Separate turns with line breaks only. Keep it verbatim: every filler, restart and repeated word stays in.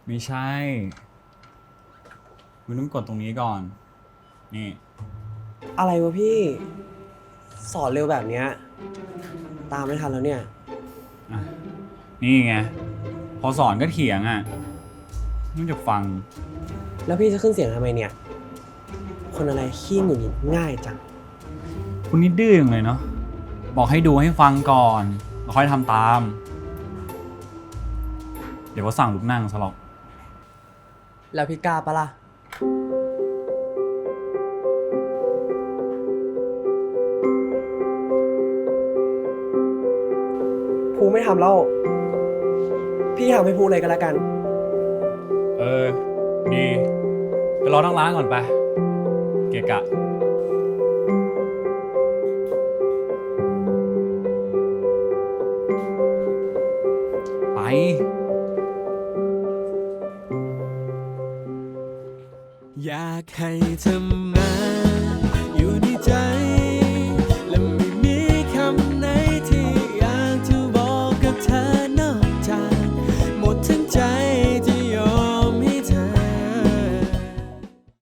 ไม่ใช่คุณต้องกดตรงนี้ก่อน นี่
อะไรวะพี่ สอนเร็วแบบเนี้ยตามไม่ทันแล้วเนี่ย
อ่ะ นี่ไง พอสอนก็เถียงอ่ะไม่จะฟัง
แล้วพี่จะขึ้นเสียงทำไมเนี่ย คนอะไรขี้หงุดหงิดง่ายจัง
คุณนี่ดื้ออย่างเลยเนาะ บอกให้ดูให้ฟังก่อนแล้วค่อยทำตาม เดี๋ยวก็สั่งลุกนั่งซะหรอก
แล้วพี่กล้าปะล่ะภูไม่ทำแล้ว พี่ทำให้ภูเลยก็แล้วกัน
เออ ดี ไปรอทั้งร้านก่อนไป เกะกะ ไป
อยากให้เธอมาอยู่ในใจ